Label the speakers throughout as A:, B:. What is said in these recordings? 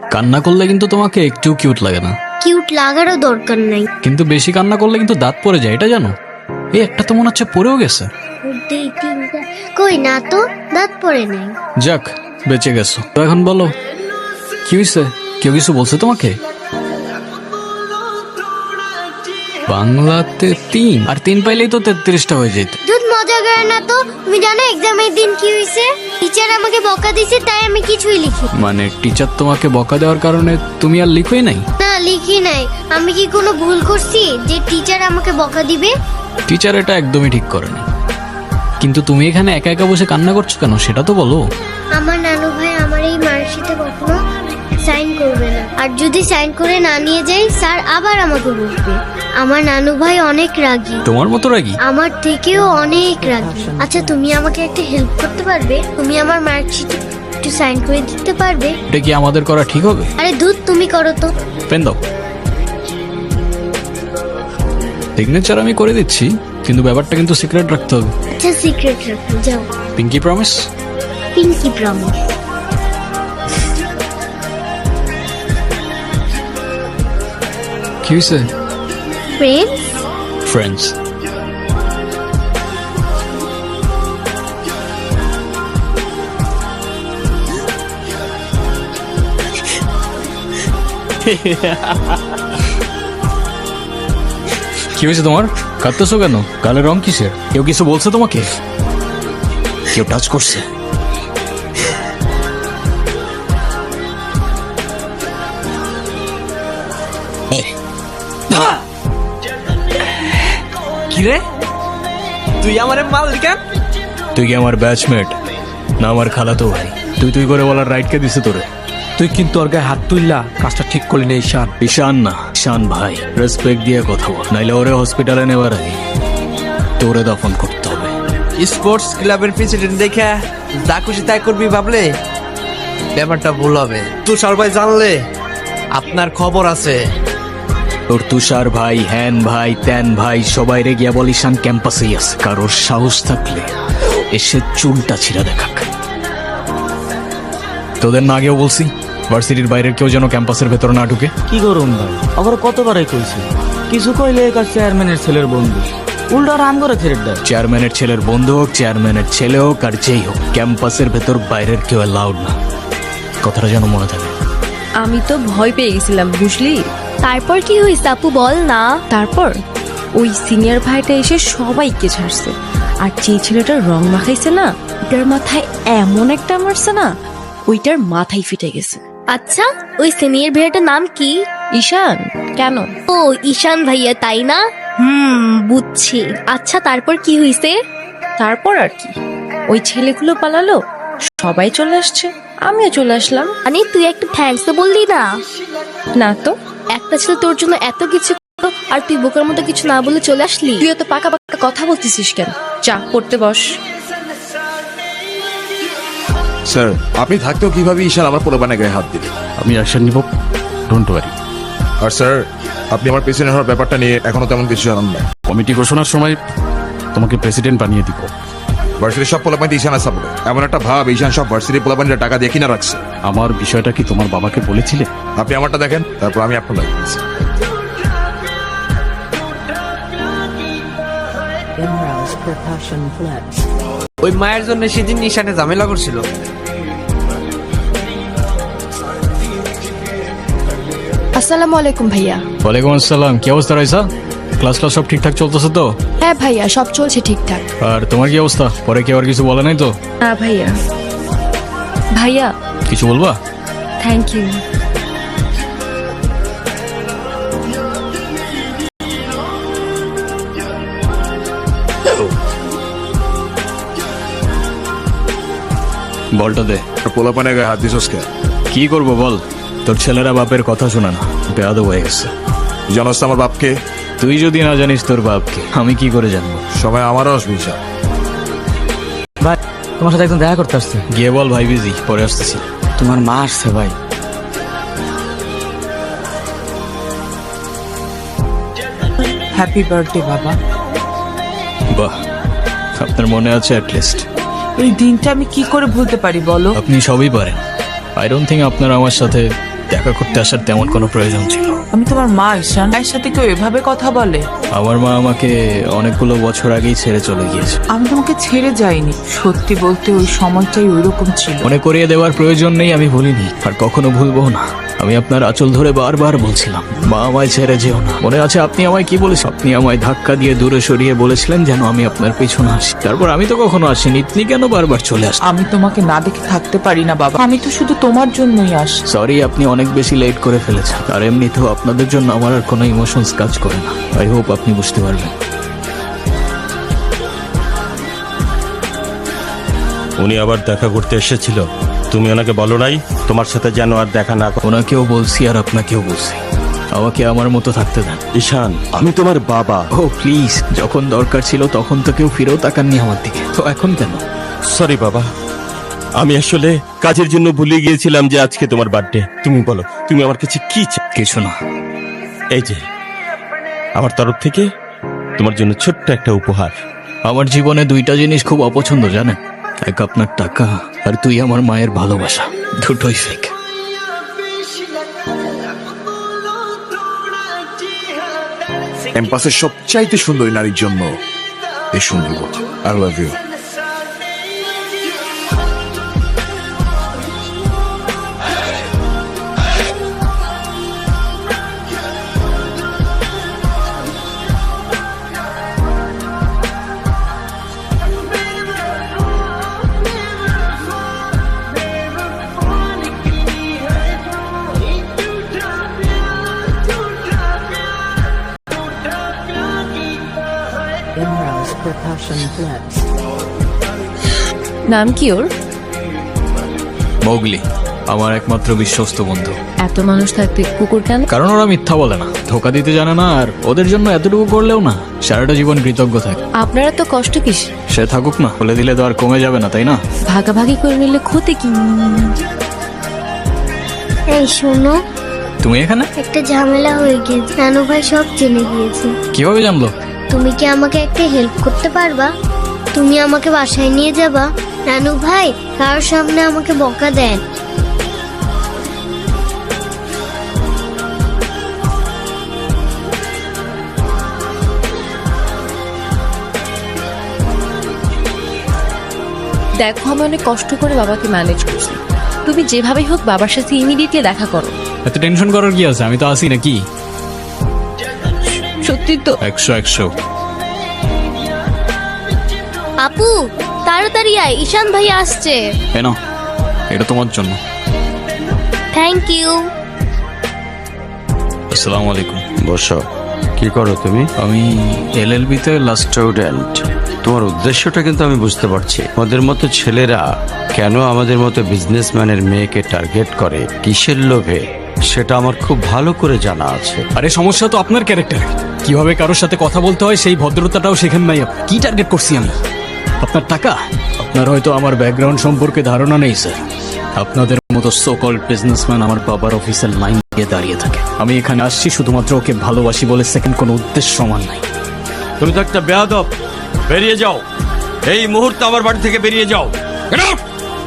A: কান্না করলে কিন্তু তোমাকে একটু কিউট লাগে না।
B: কিউট লাগারও দরকার নাই।
A: কিন্তু বেশি কান্না করলে কিন্তু দাঁত পড়ে যায়, এটা জানো? এই একটা তো মনে হচ্ছে পড়েও গেছে।
B: কই না তো, দাঁত পড়ে নাই।
A: যাক, বেঁচে গেছো। তো এখন বলো কি হয়েছে? কেউ কিছু বলছে তোমাকে? বাংলাতে 3 আর 3 পাইলেই তো 33টা হয়ে যেত।
B: দুধ মজা করে না তো। তুমি জানো এক্সামের দিন কি হয়েছে? টিচার আমাকে বকা দিছে, তাই আমি কিছুই লিখি।
A: মানে টিচার তোমাকে বকা দেওয়ার কারণে তুমি আর লিখোই নাই?
B: না, লিখি নাই। আমি কি কোনো ভুল করছি যে টিচার আমাকে বকা দিবে?
A: টিচার এটা একদমই ঠিক করেনি। কিন্তু তুমি এখানে একা একা বসে কান্না করছো কেন সেটা তো বলো।
B: আমার নানু ভাই আমার এই মার্কশিটে কখনো সাইন করবে না, আর যদি সাইন করে না নিয়ে যাই স্যার আবার আমাকে বলবে। আমার নানু ভাই অনেক রাগী।
A: তোমার মতো রাগী?
B: আমার থেকেও অনেক রাগী। আচ্ছা, তুমি আমাকে একটা হেল্প করতে পারবে? তুমি আমার মার্কশিটে একটু সাইন করে দিতে পারবে?
A: এটা কি আমাদের করা ঠিক হবে?
B: আরে দুধ, তুমি করো তো।
A: পেন দাও। সিগনেচার আমি করে দিচ্ছি, কিন্তু ব্যাপারটা কিন্তু সিক্রেট রাখতে হবে।
B: আচ্ছা, সিক্রেট রাখো, যাও।
A: Pinky promise?
B: Pinky promise.
A: কি হয়েছে?
B: ফ্রেন্ডস।
A: ফ্রেন্ডস। কি হয়েছে তোমার? কাঁদতেছো কেন? গালের রং কিসের? কেউ কিছু বলছে তোমাকে? কেউ টাচ করছে?
C: কিরে, তুই আমার মাল কেন?
A: তুই কি আমার ব্যাচমেট না আমার খালাতো ভাই? তুই করে বলার রাইট কে দিছে তোরে?
C: তুই কিন্তু ওর গায়ে হাত তুললা, কাজটা ঠিক করলি না। ঈশান।
A: ঈশান না, ঈশান ভাই। রেসপেক্ট দিয়ে কথা বল, নাইলে ওরে হসপিটালে নেবার আগে তোরে দফন করতে হবে।
C: স্পোর্টস ক্লাবের প্রেসিডেন্ট দেখে যা খুশি তাই করবি ভাবলে ব্যাপারটা ভুল হবে। তুষার ভাই জানলে আপনার খবর আছে।
A: তোর তুষার ভাই, হ্যান ভাই, ত্যান ভাই সবাই রে গিয়া বল ঈশান ক্যাম্পাসেই আছে। কারোর সাহস থাকলে এসে চুলটা ছিঁড়া দেখাক। তোদের না আগেও বলছি ভার্সিটির বাইরের কেউ যেন ক্যাম্পাসের ভেতর না ঢুকে।
D: কি করুন ভাই, আবার কতবারই কইছি, কিছু কইলে কাজ চেয়ারম্যানের ছেলের বন্ধু, উল্টা রাম করে ছেড়ে দেয়।
A: চেয়ারম্যানের ছেলের বন্ধু হোক, চেয়ারম্যানের ছেলে হোক, আর যেই হোক, ক্যাম্পাসের ভেতর বাইরের কেউ অ্যালাউড না। কথাটা যেন মনে থাকে।
E: আমি তো ভয় পেয়ে গেছিলাম, বুঝলি?
F: তারপর কি হয়েছে আপু, বল না।
E: তারপর ওই সিনিয়র ভাইটা এসে সবাইকে ছাড়ছে, আর যে ছেলেটার রং মাখাইছে না, ওটার মাথায় এমন একটা মারছে না, ওইটার মাথায় ফিটে গেছে।
F: আচ্ছা, ওই সিনিয়র ভাইয়াটার নাম কি?
E: ঈশান। কেন?
F: ও, ঈশান ভাইয়া, তাই না? বুঝছি। আচ্ছা, তারপর কি হয়েছে?
E: তারপর আর কি, ওই ছেলেগুলো পালালো, সবাই চলে আসছে, আমিও চলে আসলাম।
F: মানে তুই একটা থ্যাঙ্কস তো বললি না?
E: না তো।
F: একটা ছেলে তোর জন্য এত কিছু করলো, আর তুই বোকার মতো কিছু না বলে চলে আসলি।
E: তুই তো পাকা পাকা কথা বলতেছিস কেন? চা পড়তে বস।
G: স্যার, আপনি থাকতেও কিভাবে ঈশান আমার পোলাপানের গায়ে হাত দিলেন?
H: আমি অ্যাকশন নিব, ডোন্ট ওয়ারি।
G: আর স্যার, আপনি আমার প্রেসিডেন্ট হওয়ার ব্যাপারটা নিয়ে এখনো তেমন কিছু জানান না।
H: কমিটি ঘোষণার সময় তোমাকে প্রেসিডেন্ট বানিয়ে দিব।
G: ভার্সিটির সব পোলাপানিতে ঈশান আছে বলে এমন একটা ভাব ঈশান সব ভার্সিটির পোলাপানিরা টাকা দিয়ে কিনা রাখছে।
H: আমার বিষয়টা কি তোমার বাবাকে বলেছিলে?
G: আপনি আমারটা দেখেন, তারপর আমি আপনার লাগছি।
C: ওই মায়ের জন্য সেদিন ঈশানে ঝামেলা করছিল।
I: আসসালামু আলাইকুম ভাইয়া।
A: ওয়ালাইকুম আসসালাম। কি অবস্থা রাইসা? ক্লাস সব ঠিকঠাক চলতেছে তো?
I: হ্যাঁ ভাইয়া, সব চলছে ঠিকঠাক।
A: আর তোমার কি অবস্থা? পরে কি আর কিছু বলে নাই তো?
E: না ভাইয়া। ভাইয়া
A: কিছু বলবা?
E: Thank you.
A: বলটা দে।
G: পোলাপানের গায়ে হাত দিছস কে?
A: কি করবো বল, তোর ছেলেরা বাপের কথা শোনা না, বেয়াদব হয়ে গেছে।
G: জানোস তো আমার বাপকে?
A: তুই যদি না জানিস তোর বাপকে, আমি কি করে জানবো?
G: সময় আমারও আসবে ঈশান।
D: ভাই, তোমার সাথে একদম দেখা করতে আসছে।
A: গিয়ে বল ভাই বিজি, পরে আসতেছি।
D: তোমার মা আসছে ভাই। হ্যাপি বার্থডে বাবা।
A: বাহ, আপনার মনে আছে অ্যাটলিস্ট।
J: এই দিনটা আমি কি করে ভুলতে পারি বলো?
A: আপনি সবই পারেন। আই ডোন্ট থিঙ্ক আপনার আমার সাথে দেখা করতে আসার তেমন কোনো প্রয়োজন ছিল।
J: আমি তোমার মা ঈশান, এর সাথে কেউ এভাবে কথা বলে?
A: আমার মা আমাকে অনেকগুলো বছর আগেই ছেড়ে চলে গিয়েছে।
J: আমি তোমাকে ছেড়ে যাইনি, সত্যি বলতে ওই সময়টাই ওইরকম ছিল।
A: মনে করিয়ে দেওয়ার প্রয়োজন নেই, আমি ভুলিনি আর কখনো ভুলবো না। আমি আপনার আঁচল ধরে বারবার বলছিলাম, মা আমায় ছেড়ে যেও না। মনে আছে আপনি আমায় কি বলেছেন? আপনি আমায় ধাক্কা দিয়ে দূরে সরিয়ে বলেছিলেন যেন আমি আপনার পেছনে আসি। তারপর আমি তো কখনো আসিনি, আপনি কেন বারবার চলে আসেন?
J: আমি তোমাকে না দেখে থাকতে পারি না বাবা, আমি তো শুধু তোমার জন্যই আসি।
A: সরি, আপনি অনেক বেশি লেট করে ফেলেছেন। আর এমনিতেও আপনাদের জন্য আমার আর কোনো ইমোশনস কাজ করে না। আই হোপ আপনি বুঝতে পারবেন।
K: উনি আবার দেখা করতে এসেছিল, তুমি ওনাকে বলো নাই তোমার সাথে যেন আর দেখা না করে?
A: ওনাকেও বলছি আর আপনাকেও বলছি, আমাকে আমার মতো থাকতে দেন।
K: ঈশান, আমি তোমার বাবা।
A: ও প্লিজ, যখন দরকার ছিল তখন তো কেউ ফিরেও তাকাননি আমার দিকে, তো এখন কেন?
K: সরি বাবা, আমি আসলে কাজের জন্য ভুলে গিয়েছিলাম যে আজকে তোমার বার্থডে। তুমি বলো, তুমি আমার কাছে কি চাও?
A: কিছু না,
K: এই যে আমার তরফ থেকে তোমার জন্য ছোট্ট একটা উপহার।
A: আমার জীবনে দুইটা জিনিস খুব অপছন্দ জানেন, এক আপনার টাকা আর তুই আমার মায়ের ভালোবাসা, দুটোই ফেক।
G: ক্যাম্পাসের সবচাইতে সুন্দরী নারীর জন্য এই সুন্দর কথা। I love you.
E: নাম কি ওর?
A: মোগলি, আমার একমাত্র বিশ্বস্ত বন্ধু।
E: এত মানুষ থাকতে কুকুর কেন?
A: কারণ ওরা মিথ্যা বলে না, ধোকা দিতে জানে না, আর ওদের জন্য এতটুকু করলেও না সারাটা জীবন কৃতজ্ঞ থাকে।
E: আপনারা তো কষ্ট কিস?
A: সে থাকুক না, বলে দিলে তো আর কমে যাবে না, তাই না?
E: ভাগাভাগি করে নিলে ক্ষতি কি?
B: এই শোনো,
A: তুমি এখানে?
B: একটা ঝামেলা হয়ে গিয়েছে, নানু ভাই সব জেনে গিয়েছে।
A: কিভাবে জানলো?
B: তুমি কি আমাকে একটা হেল্প করতে পারবা? তুমি আমাকে বাসায় নিয়ে যাবা? নানু ভাই কারোর সামনে আমাকে বকা দেন।
E: দেখো, আমি অনেক কষ্ট করে বাবাকে ম্যানেজ করছি, তুমি যেভাবেই হোক বাবার সাথে ইমিডিয়েটলি দেখা করো।
A: এত টেনশন করার কি আছে, আমি তো আসি নাকি।
E: সত্যি তো?
A: 100
F: আপু তাড়াতাড়ি আয়, ঈশান ভাই আসছে।
A: কেন? এটা তোমার জন্য।
F: Thank you.
A: আসসালামু আলাইকুম।
K: বসো। কি করো তুমি?
A: আমি LLB তে লাস্ট।
K: স্টুডেন্ট, তোমার উদ্দেশ্যটা কিন্তু আমি বুঝতে পারছি। আমাদের মতো ছেলেরা কেন আমাদের মতো বিজনেসম্যানের মেয়েকে টার্গেট করে, কিসের লোভে, সেটা আমার খুব ভালো করে জানা আছে।
A: আরে সমস্যা তো আপনার ক্যারেক্টারে, কিভাবে কারোর সাথে কথা বলতে হয় সেই ভদ্রতাটাও শেখেন নাই। কি টার্গেট করছি আমি? আপনার টাকা? আপনার হয়তো আমার ব্যাকগ্রাউন্ড সম্পর্কে ধারণা নেই স্যার। আপনাদের মতো সো কল্ড বিজনেসম্যান আমার বাবার অফিসের লাইন দিয়ে দাঁড়িয়ে থাকে। আমি এখানে আসছি শুধুমাত্র ওকে ভালোবাসি বলে, সেকেন্ড কোনো উদ্দেশ্য সমান নাই।
K: তুমি তো একটা বেয়াদব, বেরিয়ে যাও এই মুহূর্তে, আমার বাড়ি থেকে বেরিয়ে যাও। Get out!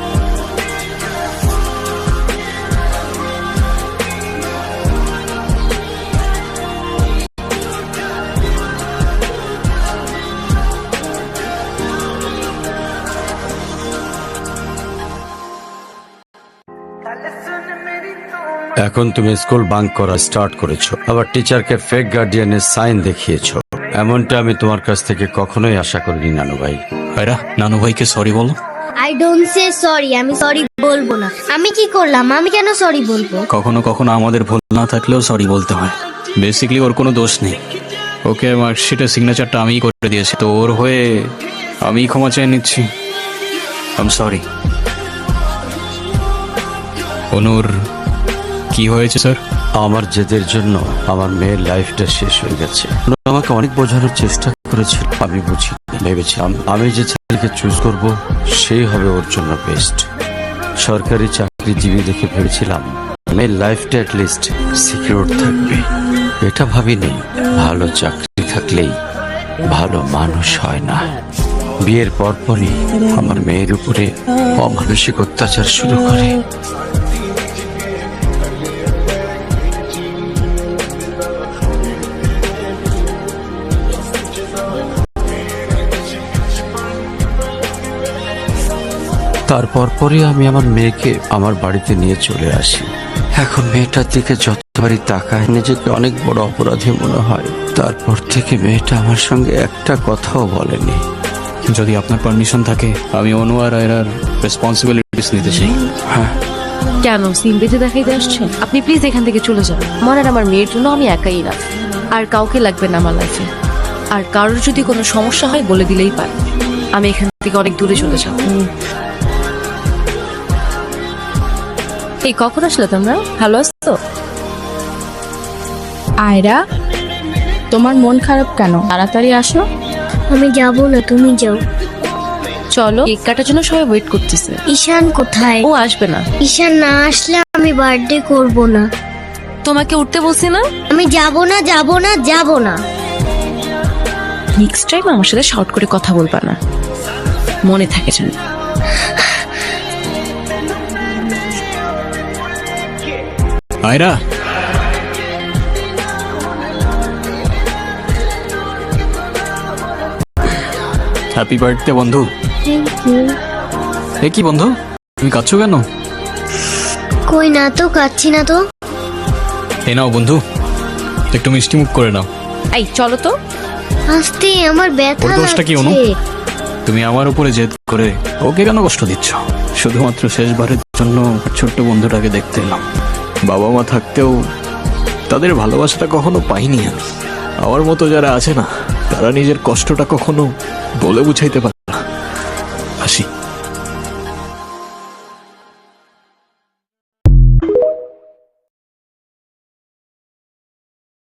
K: এখন তুমি স্কুল বাঙ্ক করা স্টার্ট করেছো, আবার টিচারকে ফেক গার্ডিয়ানের সাইন দেখিয়েছো। এমনটা আমি তোমার কাছ থেকে কখনোই আশা করিনি নানু ভাই।
A: ভাইরা, নানু ভাইকে সরি বলো।
B: আই ডোন্ট সে সরি, আমি সরি বলবো না। আমি কি করলাম? আমি কেন সরি বলবো?
A: কখনো কখনো আমাদের ভুল না থাকলেও সরি বলতে হয়। বেসিক্যালি ওর কোনো দোষ নেই, ওকে মার্কশিটের সিগনেচারটা আমিই করে দিয়েছি, তো ওর হয়ে আমি ক্ষমা চেয়ে নিচ্ছি। I am sorry. অনুর কি হয়েছে স্যার?
K: আমার জেদের জন্য আমার মেয়ের লাইফটা শেষ হয়ে গেছে। আমাকে অনেক বোঝানোর চেষ্টা করেছিল, আমি বুঝি ভেবেছিলাম আমি যে ছেলেকে চুজ করব সেই হবে ওর জন্য বেস্ট। সরকারি চাকরিজীবী দেখে ভেবেছিলাম মেয়ের লাইফটা অ্যাটলিস্ট সিকিউর থাকবে। এটা ভাবিনি ভালো চাকরি থাকলেই ভালো মানুষ হয় না। বিয়ের পরপরই আমার মেয়ের উপরে অমানসিক অত্যাচার শুরু করে। তারপর পরই আমি আমার মেয়েকে আমার বাড়িতে নিয়ে চলে আসি। এখন মেয়েটার দিকে যতবারই তাকায় নিজেকে অনেক বড় অপরাধী মনে হয়। তারপর থেকে মেয়েটা আমার সঙ্গে একটা কথাও বলেনি।
A: যদি আপনার পারমিশন থাকে আমি অনু আর আয়রার রেসপন্সিবিলিটিস নিতে চাই।
K: হ্যাঁ,
E: কেন সিন বেঁধে দেখাইতে আসছেন? আপনি প্লিজ এখান থেকে চলে যান। আমার আর আমার মেয়ের জন্য আমি একাই না, আর কাউকে লাগবে না আমার লাইফে। আর কারোর যদি কোনো সমস্যা হয় বলে দিলেই পারে। আমি এখান থেকে অনেক দূরে চলে যাব। এই কখন আসলে তোমরা? ভালো আছো?
I: আয়রা, তোমার মন খারাপ কেন? তাড়াতাড়ি আসো।
B: আমি যাব না, তুমি যাও।
E: চলো, কেক কাটার জন্য সবাই ওয়েট করতেছে।
B: ঈশান কোথায়?
E: ও আসবে না।
B: ঈশান না আসলে আমি বার্থডে করব না।
E: তোমাকে উঠতে বলছি না?
B: আমি যাব না, যাব না, যাব না।
E: নেক্সট টাইম আমার সাথে শর্ট করে কথা বলবা না, মনে থাকে যেন।
A: আয়রা, হ্যাপি বার্থডে বন্ধু।
B: Thank you.
A: এ কি বন্ধু, তুমি কাঁদছো কেন?
B: কই না তো, কাচ্ছি না তো।
A: এ নাও বন্ধু, একটু মিষ্টি মুখ করে নাও।
E: এই চলো তো।
B: আস্তে, আমার ব্যথা
A: ওর দোষটা কি অনু?
B: লাগছে।
A: তুমি আমার উপরে জেদ করে ওকে কেন কষ্ট দিচ্ছ? শুধুমাত্র শেষবারের জন্য ছোট্ট বন্ধুটাকে দেখতে এলাম। বাবা মা থাকতেও তাদের ভালোবাসাটা কখনো পাইনি আমি। আমার মতো যারা আছে না, তারা নিজের কষ্টটা কখনো বলে বুঝাইতে পারে না। আসি।